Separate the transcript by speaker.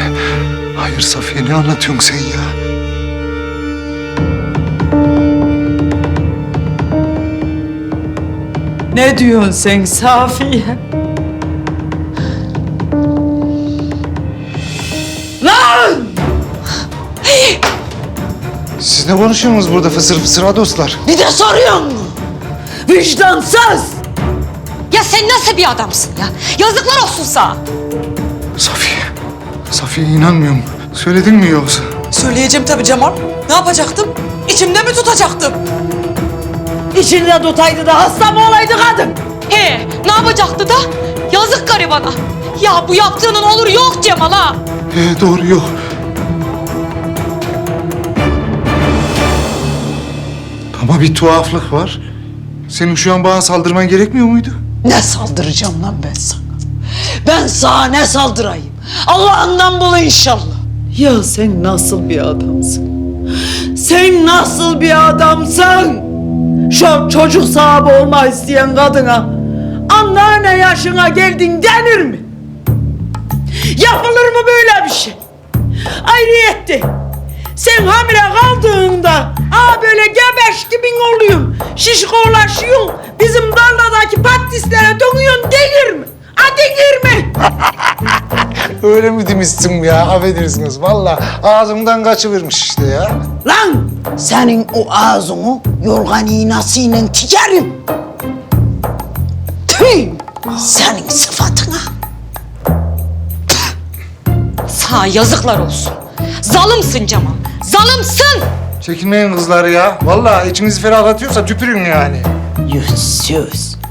Speaker 1: Hayır Safiye, ne anlatıyorsun sen ya?
Speaker 2: Ne diyorsun sen Safiye? Lan!
Speaker 1: Siz ne konuşuyorsunuz burada fısır fısır ha dostlar?
Speaker 2: Bir de soruyorsun mu? Vicdansız!
Speaker 3: Ya sen nasıl bir adamsın ya? Yazıklar olsun sana.
Speaker 1: Safiye inanmıyorum. Söyledin mi yoksa?
Speaker 4: Söyleyeceğim tabii Cemal. Ne yapacaktım? İçimde mi tutacaktım?
Speaker 2: İçinde tutaydı da hasta mı olaydı kadın?
Speaker 3: He, ne yapacaktı da? Yazık garibana. Ya bu yaptığının olur yok Cemal ha.
Speaker 1: Doğru, yok. Ama bir tuhaflık var. Senin şu an bana saldırman gerekmiyor muydu?
Speaker 2: Ne saldıracağım lan ben sana? Ben sana ne saldırayım? Allah'ından bul inşallah. Ya sen nasıl bir adamsın? Sen nasıl bir adamsın? Şu çocuk sahibi olmak isteyen kadına anneanne yaşına geldin denir mi? Yapılır mı böyle bir şey? Ayrıyetti. Sen hamile kaldığında böyle gebeş gibin oluyorsun. Şişkolaşıyorsun. Bizim tarladaki patislere dönüyorsun denir mi? Denir mi?
Speaker 1: Öyle mi demişsin ya? Affedersiniz. Vallahi ağzımdan kaçıvermiş işte ya.
Speaker 2: Lan senin o ağzını yorgan iğnesiyle tikerim. Tüh! Senin sıfatına.
Speaker 3: Sana yazıklar olsun. Zalımsın Cemal. Zalımsın.
Speaker 1: Çekinmeyin kızlar ya. Vallahi içinizi ferahlatıyorsa tüpürün yani.
Speaker 2: Yüzsüz.